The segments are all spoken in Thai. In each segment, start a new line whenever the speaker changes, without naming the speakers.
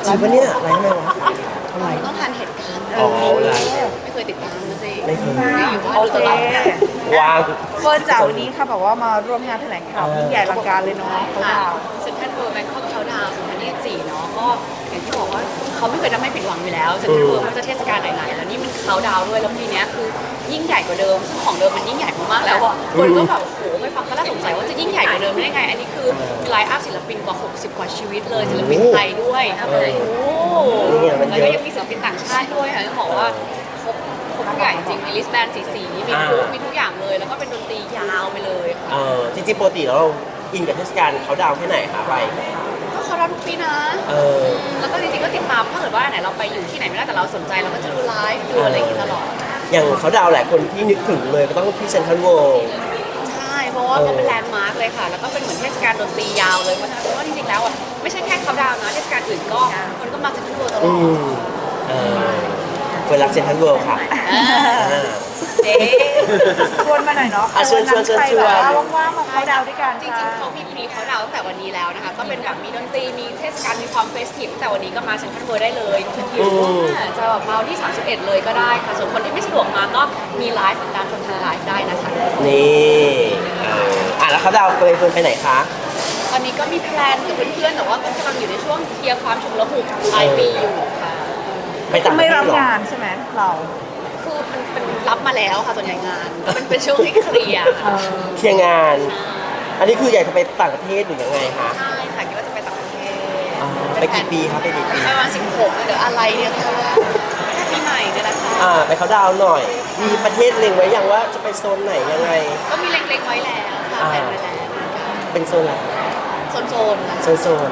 จริงปะเนี่ยไลฟ์ทำไมวะทำไม
ต้องทันเหตุการณ์
อ๋อไลฟ์
ไม่เคยติดตามนะสิ
ไม่เคย
อยู่ว่า
โอ
ดู
เค
ตลอด
วาง
เฟิร์นจ๋าวันนี้ค่ะแบบว่ามาร่วมงานแถลงข่าวยิ่งใหญ่อลังการเลยเนาะเขา
ค่ะ
ดาว
เซ็นทรัลเวิลด์แบงคอกเขาดาวน์2024เนาะก็อย่างที่บอกว่าเขาไม่เคยทำให้ผิดหวังอยู่แล้วเซ็นทรัลเวิลด์ไม่ว่าจะเทศกาลไหนๆแล้วนี่มันเขาดาวน์ด้วยแล้วปีเนี้ยคือยิ่งใหญ่กว่าเดิมซึ่งของเดิมมันยิ่งใหญ่มากๆแล้วอ่ะคนก็แบบโอ้โหไม่ฟังก็น่าสงสัยว่าจะยิ่งใหญ่กว่าเดิมได้ไง อันนี้คือมีไลน์อัพศิลปินกว่า60 กว่าชีวิตเลยศิลปินไทยด้วยโอ้แล้วก็ยังมีศิลปินต่างชาติด้วยค่ะต้องบอกว่าครบทุกอย่างจริงมีลิสแบนสีมีพลุมีทุกอย่างเลยแล้วก็เป็นดนตรียาวไปเลยค่ะ
จริงๆปกติแล้วเราอินกับเทศกาลเขาดาวน์แค่ไหนคะไป
ก็เขาเราทุกปีนะ แล้วก็จริงๆก็ติดตามถ้าเกิดว่าไหนเราไปอยู่ที่ไหนไม่ได้แต่เราสนใจเราก็จะดูไลฟ์ดูอะไรอย่างงี้ตลอด
อย่างเขาดาวน์หลายคนที่นึกถึงเลยก็ต้องที่เซ็นทรัลเวิลด์
ใช่ เพราะว่าเขาเป็นแลนด์มาร์คเลยค่ะ แล้วก็เป็นเหมือนเทศกาลดนตรียาวเลย เพราะฉะนั้นเพราะว่าจริงๆแล้วอ่ะไม่ใช่แค่เขาดาวน์นะเทศกาลอื่นก็คนก็มาเซ็นทรัลเวิลด์ตลอด
เฟิร์นรักเซ็นทรัลเวิลด์ค่ะ
เจ๊
ชวนมาหน่อยเนาะ
ชวน
ใครแบบว่าว่างๆมาเขาดาวด้วยกัน
จริงๆเขามีพรีเขาดาวน์ตั้งแต่วันนี้แล้วนะคะ ก็เป็นแบบมีดนตรี มีเทศกาล มีความเฟสทีฟตั้งแต่วันนี้ก็มาเซ็นทรัลเวิลด์ได้เลยหรือว่าจะแบบมาวันที่ 31 เลยก็ได้ค่ะ ส่วนคนที่ไม่สะดวกมาก็มีไลฟ์ติดตามชมทางไลฟ์ได้นะคะ
นี่แล้วเขาดาวน์เฟิร์นไปไหนคะ
ตอนนี้ก็มีแพลนกับเพื่อนๆแต่ว่าก็กำลังอยู่ในช่วงเคลียร์ความฉุกละหุกปลายปีอยู่ค่ะ
ไปต่างประ
ไม่
เทศ
รับ
เหรอ
งานใช่ไหมเรา
คือมันเป็นรับมาแล้วค่ะส่วนใหญ่งาน มันเป็นช่วงที่เคลียร์ค่ะ
เคลียร์งาน อันนี้คืออยากจะไปต่างประเทศหรือยังไงคะ
ใช่ค่ะคิดว่าจะไปต่างประเทศ
ไปกี่ปีครับไปกี่ปี
ไปประมาณ16เดี๋ยวอะไรเนี่ยค่ะแค่ปีใหม่เนี่ยแหละค่ะ
ไปเขาดาวน์หน่อย มีประเทศเล็งไว้ยังว่าจะไปโซนไหนยังไง
ก็มีเล็งๆไว้แล้วค่ะแผนไว้แล้ว
เป็นโซนอะไร
โซนๆค่ะ
โซน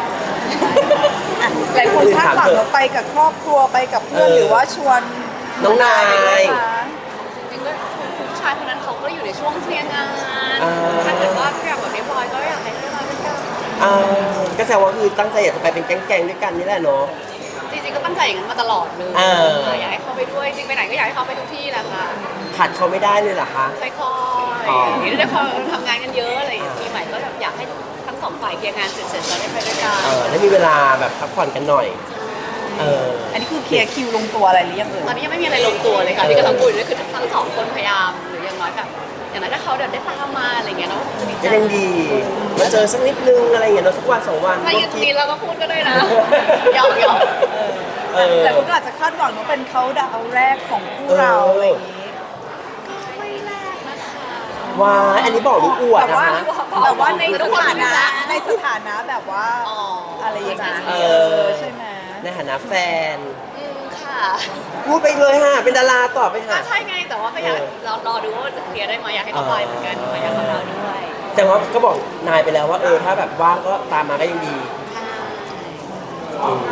หลายคนคาดหวังเราไปกับครอบครัวไปกับเพื่อนหรือว่าชวน
น้องนาย
จริงๆก็คุณผู้ชายคนนั้นเขาก็อยู่ในช่วงเคลียร์งาน
อ่า
ถ้าเกิดว่าทุกอย่างแบบเรียบร้อยก็อยากให้เรียบร้อยเป็นกัน
ก็แสดงว่าคือตั้งใจอยากจะไปเป็นแก๊งๆด้วยกันนี่แหละเนาะ
จริงๆก็ตั้งใจอย่างนั้นมาตลอดเลย อยากให้เขาไปด้วยจริงไปไหนก็อยากให้เขาไปทุกที่แหละค่ะ
ขาดเขาไม่ได้เลยเหรอคะ
ค่อยๆนี่ได้พอทำงานกันเยอะอะไรอย่างเงี้ยปีใหม่ก็แบบอยากให้ทั้งสองฝ่ายเคลียร์งานเสร็จๆแล้วได้ไปด้วยกัน
ได้มีเวลาแบบพักผ่อนกันหน่อย
อันนี้คือเคลียร์คิวลงตัวอะไรหรือยังเอ่ย
ตอนนี้ยังไม่มีอะไรลงตัวเลยค่ะที่กำลังคุยด้วยคือทั้งสองคนพยายามหรืออย่างน้อยแบบอย่างนั้นถ้าเขาเดินได้ตามมาอะไรเงี้ยเราก็จะดีใจ
จะยังดี มาเจอสักนิดนึงอะไรอย่างเงี้ยเนาะสักวัน2 วัน
ถ้ายืนตรงนี้เราก็พูดก็ได้นะหยอก
แต่คุณก็อาจจะคาดหวังว่าเป็นเขาดาวแรกของคู่เราอะไรอย่างนี้
ๆไม่แรกนะคะ
ว้ายอันนี้บอกลูกอวด
แต่
นะ
ว่า
คะ
แต่ว่าในสถานะในสถานะแบบว่า
อ๋อ
อะไรอย่างเงี้ยใช่ไหม
ในฐานะแฟน
ค่ะ
พูดไปเลยค่ะ เป็นดาราต่อไป
ก็
ค่ะ
ใช่ไงแต่ว่าก็อยากรอดูว่าจะเคลียร์ได้ไหมอยากให้เขาไปเหมือนกันอยากให้เขาด้วย
แต่ว่าก็บอกนายไปแล้วว่าถ้าแบบว่างก็ตามมาก็ยังดีอืม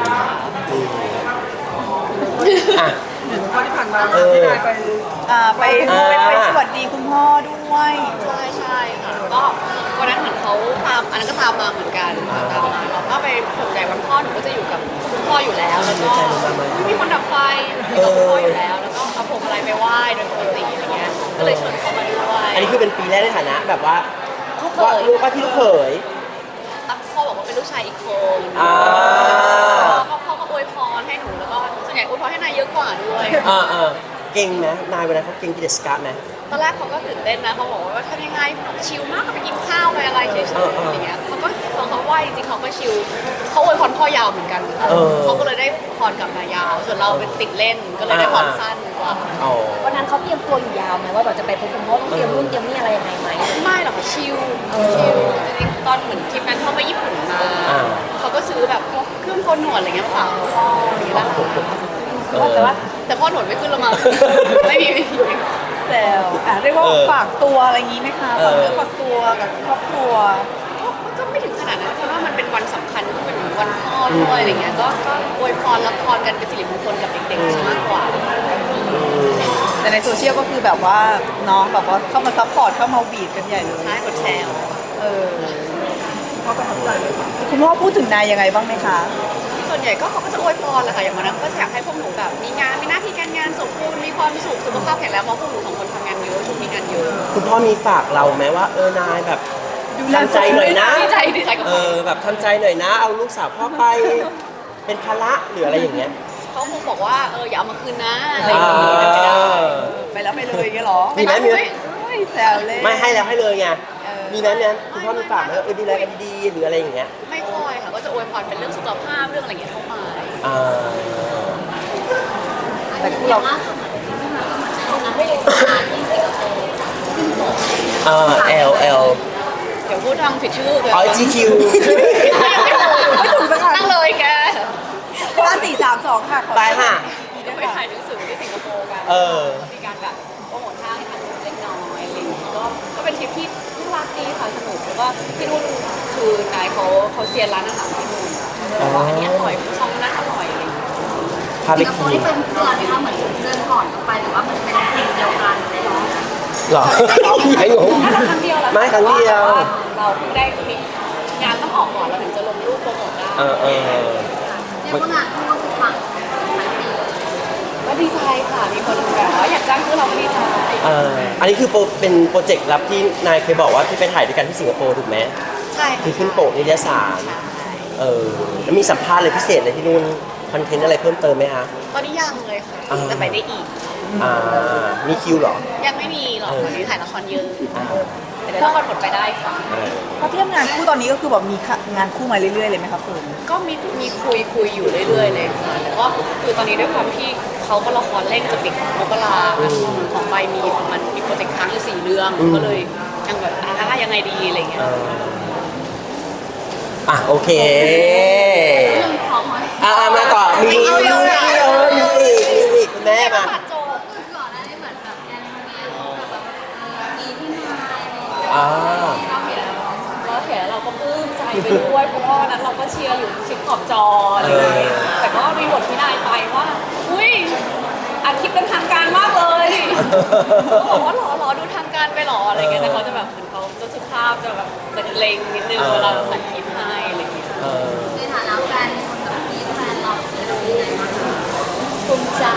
อ่ะ
ข้อที่ผ่านมา
เออ
ที่นายไป
ไปสวัสดีคุณพ่อด้วย
ใช่ค่ะก็วันนั้นเหมือนเขาตามอันนั้นก็ตามมาเหมือนกันตามมาเราก็ไปส่วนใหญ่วันพ่อหนูก็จะอยู่กับคุณพ่ออยู่แล้วแล้วก็ไม่มีคนดับไฟอยู่กับคุณพ่ออยู่แล้ว แล้วก็เอาพวงอะไรไปไหว้โดยปกติอะไรเงี้ยก็เลยชวนเขามาด้วย
อันนี้คือเป็นปีแรกในฐานะแบบว่า
ลูกเข
ว่าย ลูกว่าที่ลูกเขย
ตั้งพ่อบอกว่าเป็นลูกชายอีกคน
อ่า
พ่อก็อวยพรให้หนูแล้วก็ส่วนใหญ่อวยพรให้นายเยอะกว่าด้วย
เก่งไหมนายเวลาเขาเก่งกิจสการไหม
ตอนแรกเขาก็ตื่นเต้นนะเขาบอกว่าทำยังไงชิลมากก็ไปกินข้าวไปอะไรเฉยๆอย่างเงี้ยเขาก็พอเขาไหวจริงๆเขาก็ชิลเขาอวยพรพ่อยาวเหมือนกันเขาก็เลยได้พรกลับมายาว ส่วนเราเป็นติดเล่นก็เลยได้พรสั้นกว่า
อ๋อ
วันนั้นเขาเตรียมตัวอยู่ยาวไหมว่าแบบจะไปพบคุณพ่อต้องเตรียมนู่นเตรียมนี่อะไรยังไงไหม
ไม่หรอกค่ะชิลจริงๆตอนเหมือนทริปนั้นเขาไปญี่ปุ่นมาเขาก็ซื้อแบบพวกเครื่องโกนหนวดอะไรเงี้ยมาฝากพ่ออย่างเงี้ยแหละ แต่พ่อหนวดไม่ขึ้นละมั้งไม่มี
แซวเรียกว่าฝากตัวอะไรอย่างนี้ไหมคะฝากเนื้อฝากตัวกับครอบครัว
ก็ไม่ถึงขนาดนั้นเพราะว่ามันเป็นวันสำคัญก็เป็นวันพ่อด้วยอะไรเงี้ยก็อวยพรรับพรกันเป็นสิริมงคลกับเด็กๆมากกว่า
แต่ในโซเชียลก็คือแบบว่าน้องแบบว่าเข้ามาซัพพอร์ตเข้ามาบีดกันใหญ่เลย
ใช่กดแชร์
พ่อประทับใจเลยคุณพ่อพูดถึงนายยังไงบ้างไหมคะ
ส่วนใหญ่ก็เขาก็จะอวยพรแหละค่ะอย่างวันนั้นก็อยากให้พวกหนูแบบมีงานมีหน้าที่การงานสมบูรณ์มีความสุขสุขภาพแข็งแรงเพราะพวกหนูสองคนทำงานเยอะช่วงนี้งานเยอะ
คุณพ่อมีฝากเราไหมว่านายแบบทำใจหน่อยนะ
ดีใจกับ
แบบทำใจหน่อยนะ เอาลูกสาวพ่อไปเป็นภาระหรืออะไรอย่างเงี้ย
เขาคงบอกว่าอย่าเอามาคืนนะอะไร
อ่า
อย่างเงี้ยไม่ได้
ไปแล้วไปเลยอย่างเงี้ยเหรอ
มีไหมมีไหม
โอ้ยแซวเล่น
ไม่ให้แล้วให้เลยไง
เออ
มีไหมเนี่ยคุณพ่อมีฝากไหมดูแลกันดีๆหรืออะไรอย่างเงี้ย
ไม่ค่อยค่ะก็จะอวยพรเป็นเรื่องสุขภาพเรื่องอะไรอย่างเงี้ยเข้ามา
อ่า
แต่คู่เรา
L
เดี๋ยวพูดทางผิดชื่อเลย
อ๋อ GQ
ไม่ถูกสักอัน
ตั้งเลยแก
5 4 3 2ค่ะขอ
ไปค่ะ
จะไปถ่ายหนังสือที่สิงคโปร์กัน
เออ
มีการแบบโปรโมทห้างให้ทางเล็กน้อยอะไรอย่างเงี้ยก็เป็นทริปที่น่ารักดีค่ะสนุกแล้วก็ที่นู่นคือนายเขาเซียนร้านอาหารที่นู่นบอกว่าอันนี้อร่อยช่องนั้นอร่อยอะไรอย่างเงี้ย
พาไป
สิงคโป
กิ
ร์
น
นี่เป็นเพื่อนไหมคะเหมือนเดินก่อนกันไปหรือว่ามันเป็นทีมเดียวกันเลยเนาะ
หรอไม่งง
น่าจะครั้งเดียวแหละ
ไม่ครั้งเดียว
แต่าเราเพิ่งได้มีงานต้องออกก่อนเราถึงจะลงรูปโปรโมทได้
เออ
เรียกว่างานคู่ก็คือปังหลายปีเลย
ก็ดีใจค่ะมีคนแบบว่าอยากจ้างคือเราก็ดีใจ
อันนี้คือเป็นโปรเจกต์ลับที่นายเคยบอกว่าที่ไปถ่ายด้วยกันที่สิงคโปร์ถูกไหม
ใช่
คือขึ้นโปกนิตยสาร แล้วมีสัมภาษณ์อะไรพิเศษอะไรที่นู่นคอนเทนต์อะไรเพิ่มเติมไหมคะ
ตอนนี้ยังเลยค่ะ
อ่า
จะไปได้อีก
มีคิวเหรอ
ยังไม่มีหรอกตอนนี้ถ่ายละครเยอะ
อ่า
แต่เดี๋ยวละครหมดไปได้ค่ะ
พอเทียบงานคู่ตอนนี้ก็คือแบบมีงานคู่มาเรื่อยๆเลยไหมครับเฟิร์น
ก็มีคุยอยู่เรื่อยๆเลยค่ะแต่ก็คือตอนนี้ด้วยความที่เขาก็ละครเร่งจะปิดมกราของใบมีประมาณมีโปรเจกต์ค้างอยู่4 เรื่องก็เลยยังแบบยังไงดีอะไรเงี้ย
โอเค
เรื่องของมัน
มาต่อมีอีกคุณแม่มา
ปัดโจบ
คือก่อนหน้านี้เหมือนแบบแอนโทเนียแบบมีพี่นายอะไรอย่างเงี้ย
อ่า
เราเห็นแล้วเราก็ปลื้มใจไปด้วยเพราะว่าวันนั้นเราก็เชียร์อยู่ชิดขอบจออะไรอย่างเงี้ยแต่ก็มีบทพี่นายไปว่าอุ้ยอัดคลิปเป็นทางการมากเลยเขาบอกว่าหรอดูทางการไปหรออะไรเงี้ยแต่เขาจะแบบเหมือนเขาจะสุภาพจะแบบจะเล็งนิดนึงเวลาตัดคลิปให้อะไรเงี้ย
ในฐานะแฟนคนกับพี่แฟนเราเป็นยังไงบ้างคะ
ภูมิใจ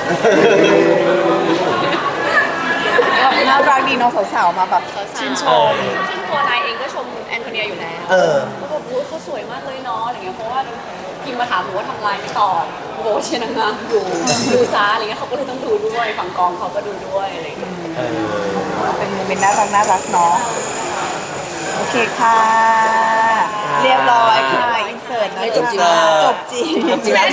น่ารักดีเน้องสาวๆมาแบบชื่นชม
ซึ่งตัวนายเองก็ชมแอนโทเนียอยู่แล้วเขาบอกว่าเขาสวยมากเลยเนาะอะไรเงี้ยเพราะว่าพิมมาถามหนูว่าทำลายไม่ตอบโบเชียร์นางงามอยู่ดูซาอะไรเงี้ยเขาก็เลยต้องดูด้วยฝั่งกองเขาก็ดูด้วยอะไรเงี้ย
เป็นโมเมนต์น่ารักเนาะโอเคค่ะ เรียบร้อยค่ะอินเสิร์ตนะ
จบจริง
จบจริง
จบจริงแล้ว